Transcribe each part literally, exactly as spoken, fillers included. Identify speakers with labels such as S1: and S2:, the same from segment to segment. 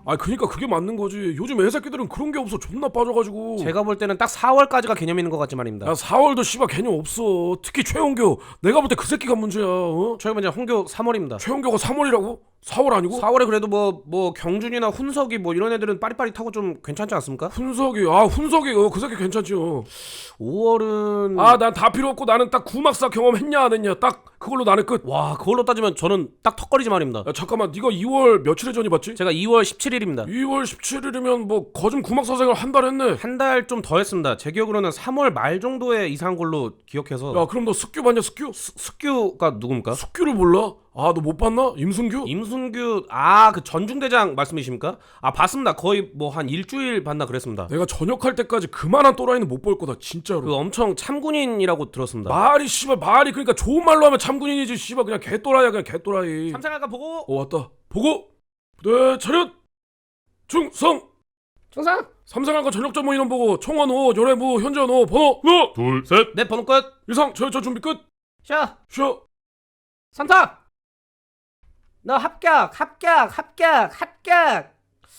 S1: 아 그니까 그게 맞는 거지. 요즘 애새끼들은 그런 게 없어. 존나 빠져가지고.
S2: 제가 볼 때는 딱 사월까지가 개념 있는 것 같지 말입니다.
S1: 야 사월도 씨발 개념 없어. 특히 최홍교. 내가 볼 때 그 새끼가 문제야. 어?
S2: 최근에 홍교 삼월입니다.
S1: 최홍교가 삼월이라고? 사월 아니고?
S2: 사월에 그래도 뭐 뭐 경준이나 훈석이 뭐 이런 애들은 빠릿빠릿하고 좀 괜찮지 않습니까?
S1: 훈석이 아 훈석이 어, 그 새끼 괜찮지요.
S2: 오월은
S1: 아 난 다 필요 없고 나는 딱 구막사 경험했냐 안 했냐 딱 그걸로 나는 끝.
S2: 와 그걸로 따지면 저는 딱 턱걸이지 말입니다.
S1: 야 잠깐만 네가 이월 며칠에 전입했지?
S2: 제가 이월 십칠일입니다.
S1: 이월 십칠일이면 뭐 거즘 구막사 생활 한 달 했네.
S2: 한 달 좀 더 했습니다. 제 기억으로는 삼월 말 정도에 이사한 걸로 기억해서.
S1: 야 그럼 너 숙규 봤냐 숙규?
S2: 스, 숙규가 누굽니까?
S1: 숙규를 몰라? 아 너 못 봤나? 임승규?
S2: 임순규 아 그 전중대장 말씀이십니까? 아 봤습니다. 거의 뭐 한 일주일 봤나 그랬습니다.
S1: 내가 전역할 때까지 그만한 또라이는 못 볼 거다 진짜로.
S2: 그 엄청 참군인이라고 들었습니다.
S1: 말이 씨발 말이 그러니까 좋은 말로 하면 참군인이지 씨발 그냥 개또라이야 그냥 개또라이.
S2: 삼상아가 보고
S1: 어 왔다. 보고 부대 차렷 충성.
S2: 충성.
S1: 삼상한과 전역 전무 인원 보고 총원 오 요래무 현전 오 번호 하나 둘셋
S2: 네 번호 끝.
S1: 이상 저저 준비 끝.
S2: 쉬어.
S1: 쉬어.
S2: 삼탁. 너 합격 합격 합격 합격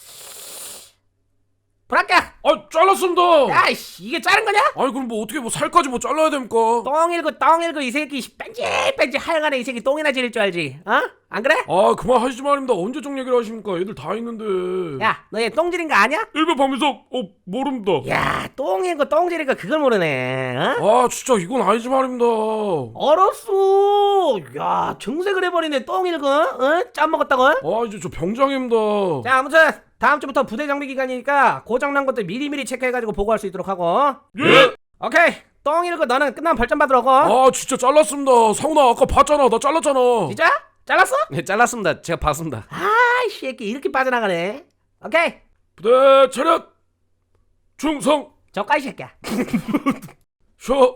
S2: 불합격.
S1: 아 잘랐습니다.
S2: 야이씨 이게 자른 거냐?
S1: 아니 그럼 뭐 어떻게 뭐 살까지 뭐 잘라야 됩니까?
S2: 똥일구 똥일구 이 새끼 뺀질뺀질 하여간에 이 새끼 똥이나 지릴 줄 알지? 어? 안 그래?
S1: 아 그만 하시지 말입니다. 언제적 얘기를 하십니까? 애들 다 있는데.
S2: 야 너 얘 똥 지린 거 아냐?
S1: 일베 박민석 어 모릅니다.
S2: 야 똥일구 똥 지린 거 그걸 모르네. 어?
S1: 아 진짜 이건 아니지 말입니다.
S2: 알았어. 야 정색을 해버리네 똥일구. 어? 짬 먹었다고?
S1: 아 이제 저 병장입니다.
S2: 자 아무튼 다음 주부터 부대 장비 기간이니까 고장난 것들 미리미리 체크해가지고 보고할 수 있도록 하고.
S1: 예.
S2: 오케이 똥일구 너는 끝나면 벌점 받으러 고.
S1: 아 진짜 잘랐습니다. 상훈아 아까 봤잖아. 나 잘랐잖아.
S2: 진짜? 잘랐어? 네 잘랐습니다. 제가 봤습니다. 아이 새끼 이렇게 빠져나가네. 오케이
S1: 부대 차렷 충성.
S2: 저까지 새끼야.
S1: 쉬어.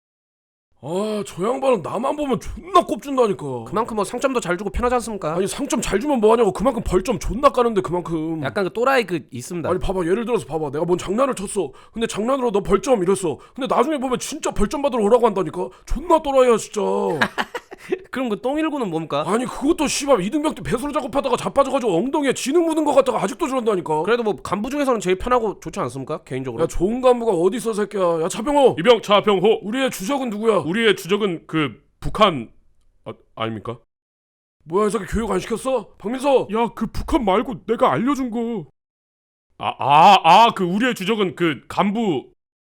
S1: 아 저 양반은 나만 보면 존나 꼽준다니까.
S2: 그만큼 뭐 상점도 잘 주고 편하지 않습니까?
S1: 아니 상점 잘 주면 뭐하냐고. 그만큼 벌점 존나 까는데 그만큼.
S2: 약간 그 또라이 그 있습니다.
S1: 아니 봐봐 예를 들어서 봐봐 내가 뭔 장난을 쳤어. 근데 장난으로 너 벌점 이랬어. 근데 나중에 보면 진짜 벌점 받으러 오라고 한다니까. 존나 또라이야 진짜.
S2: 그럼 그 똥일구는 뭡니까?
S1: 아니 그것도 씨발 이등병 때 배수로 작업하다가 자빠져가지고 엉덩이에 지능 묻은 것 같다가 아직도 저런다니까.
S2: 그래도 뭐 간부 중에서는 제일 편하고 좋지 않습니까? 개인적으로.
S1: 야 좋은 간부가 어디 있어 새끼야. 야 차병호.
S3: 이병 차병호.
S1: 우리의 주적은 누구야?
S3: 우리의 주적은 그 북한 아, 아닙니까?
S1: 뭐야 이 새끼 교육 안 시켰어? 박민서.
S3: 야 그 북한 말고 내가 알려준 거. 아 아 아 그 우리의 주적은 그 간부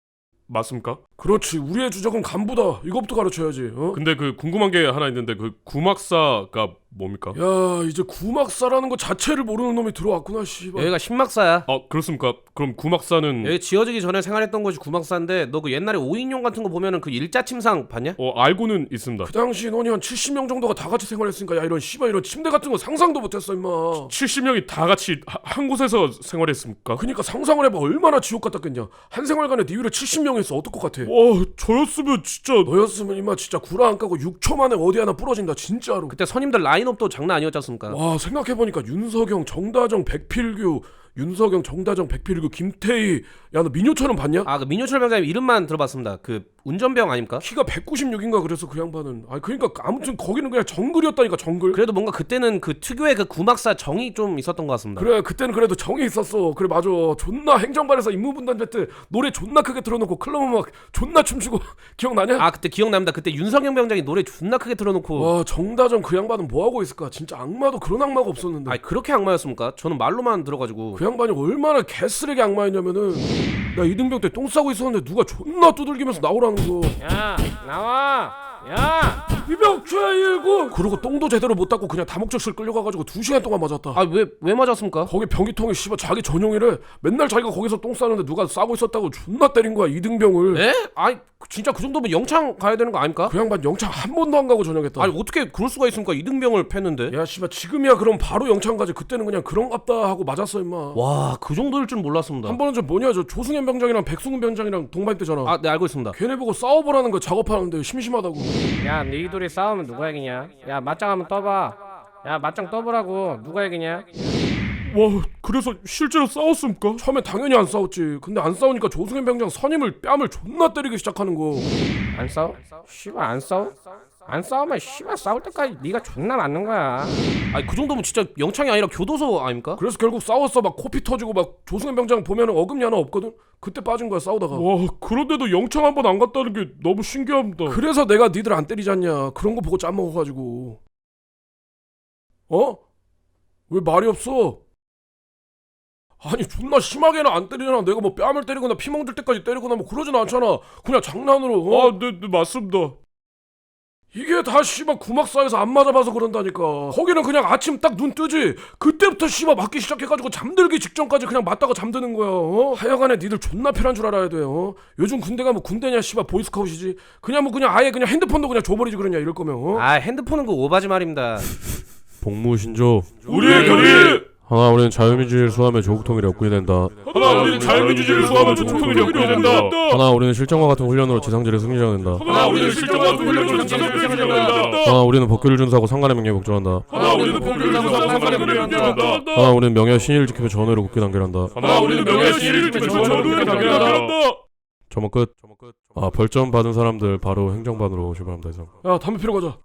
S3: 맞습니까?
S1: 그렇지 우리의 주적은 간부다. 이것부터 가르쳐야지. 어?
S3: 근데 그 궁금한 게 하나 있는데 그 구막사가 뭡니까?
S1: 야 이제 구막사라는 거 자체를 모르는 놈이 들어왔구나 씨발.
S2: 여기가 신막사야.
S3: 아 그렇습니까? 그럼 구막사는
S2: 여기 지어지기 전에 생활했던 곳이 구막사인데 너 그 옛날에 오인용 같은 거 보면은 그 일자 침상 봤냐?
S3: 어 알고는 있습니다.
S1: 그 당시 인원이 한 칠십 명 정도가 다 같이 생활했으니까 야 이런 씨발 이런 침대 같은 거 상상도 못했어 임마.
S3: 칠십 명이 다 같이 하, 한 곳에서 생활했습니까?
S1: 그니까 상상을 해봐. 얼마나 지옥 같았겠냐. 한 생활관에 네 위로 칠십 명 있어. 어떨 것 같아?
S3: 와 저였으면 진짜
S1: 너였으면 임마 진짜 구라 안 까고 육 초 만에 어디 하나 부러진다 진짜로.
S2: 그때 선임들 라인업도 장난 아니었지 않습니까?
S1: 와 생각해보니까 윤석영, 정다정, 백필규, 윤석영, 정다정, 백필규, 김태희. 야 너 민효철은 봤냐?
S2: 아 그 민효철 병장님 이름만 들어봤습니다. 그 운전병 아닙니까?
S1: 키가 백구십육인가 그래서 그 양반은. 아 그러니까 아무튼 거기는 그냥 정글이었다니까 정글.
S2: 그래도 뭔가 그때는 그 특유의 그 구막사 정이 좀 있었던 것 같습니다.
S1: 그래 그때는 그래도 정이 있었어. 그래 맞아. 존나 행정반에서 임무분담회 때 노래 존나 크게 틀어놓고 클럽 음악 존나 춤추고 기억나냐?
S2: 아 그때 기억납니다. 그때 윤석영 병장이 노래 존나 크게 틀어놓고.
S1: 와 정다정 그 양반은 뭐하고 있을까? 진짜 악마도 그런 악마가 없었는데.
S2: 아니 그렇게 악마였습니까? 저는 말로만 들어가지고.
S1: 그 양반이 얼마나 개쓰레기 악마였냐면은 나 이등병 때 똥 싸고 있었는데 누가 존나 두들기면서 나오라는 거.
S2: 야 나와. 야.
S1: 이병 최일구. 그러고 똥도 제대로 못 닦고 그냥 다목적실 끌려가가지고 두 시간 동안 맞았다.
S2: 아 왜 왜 맞았습니까?
S1: 거기 변기통에 씨발 자기 전용이래. 맨날 자기가 거기서 똥 싸는데 누가 싸고 있었다고 존나 때린 거야 이등병을.
S2: 에? 아니 진짜 그 정도면 영창 가야 되는 거 아닙니까?
S1: 그 양반 영창 한 번도 안 가고 전역했다.
S2: 아니 어떻게 그럴 수가 있습니까? 이등병을 팼는데.
S1: 야 씨발 지금이야 그럼 바로 영창 가지. 그때는 그냥 그런갑다 하고 맞았어 임마.
S2: 와 그 정도일 줄 몰랐습니다.
S1: 한 번은 저 뭐냐 저 조승현 병장이랑 백승훈 병장이랑 동반 때잖아.
S2: 아 네 알고 있습니다.
S1: 걔네 보고 싸워보라는 거 작업하는데 심심하다고.
S4: 야, 너희 둘이 싸우면 누가 이기냐? 야, 맞짱 한번 떠봐. 야, 맞짱 떠보라고. 누가 이기냐?
S3: 와 그래서 실제로 싸웠습니까?
S1: 처음에 당연히 안 싸웠지. 근데 안 싸우니까 조승현 병장 선임을 뺨을 존나 때리기 시작하는 거.
S4: 안 싸워? 씨발 안 싸워? 안 싸우면 씨발 싸울 때까지 네가 존나 맞는 거야.
S2: 아니 그 정도면 진짜 영창이 아니라 교도소 아닙니까?
S1: 그래서 결국 싸웠어. 막 코피 터지고 막 조승현 병장 보면 어금니 하나 없거든. 그때 빠진 거야 싸우다가.
S3: 와, 그런데도 영창 한 번 안 갔다는 게 너무 신기합니다.
S1: 그래서 내가 니들 안 때리지 않냐. 그런 거 보고 짬먹어가지고. 어? 왜 말이 없어? 아니 존나 심하게는 안 때리잖아. 내가 뭐 뺨을 때리거나 피멍 들 때까지 때리거나 뭐 그러진 않잖아. 그냥 장난으로. 어?
S3: 아, 네, 네 맞습니다.
S1: 이게 다 씨발 구막 사이에서 안 맞아봐서 그런다니까. 거기는 그냥 아침 딱 눈 뜨지. 그때부터 씨발 맞기 시작해가지고 잠들기 직전까지 그냥 맞다가 잠드는 거야. 어? 하여간에 니들 존나 편한 줄 알아야 돼. 어? 요즘 군대가 뭐 군대냐 씨발 보이스카웃이지. 그냥 뭐 그냥 아예 그냥 핸드폰도 그냥 줘버리지 그러냐 이럴 거면. 어?
S2: 아 핸드폰은 그 오바지 말입니다.
S5: 복무신조.
S3: 우리의 결의.
S5: 하나, 우리는 자유민주주의를 수호하며 조국통일에 엮게 된다.
S3: 하나, 우리는 자유민주주의를 수호하며 조국통일에 엮게 된다.
S5: 하나, 우리는 실정과 같은 훈련으로 지상질의 승리자가 된다.
S3: 하나, 우리는 실정과 같은 훈련으로 지상질의 승리자가 된다.
S5: 하나, 우리는 법규를 준수하고 상관의 명예에 복종한다.
S3: 하나, 우리는 법규를 준수하고 상관의 명예에 복종한다.
S5: 하나, 우리는 명예와 신의를 지키며 전의로 굳게 단결한다.
S3: 하나, 우리는 명예와 신의를 지키며 전의로 굳게 단결한다.
S5: 점원 끝. 아, 벌점 받은 사람들 바로 행정반으로 출발합니다. 이상.
S1: 야 담배 피러 가자.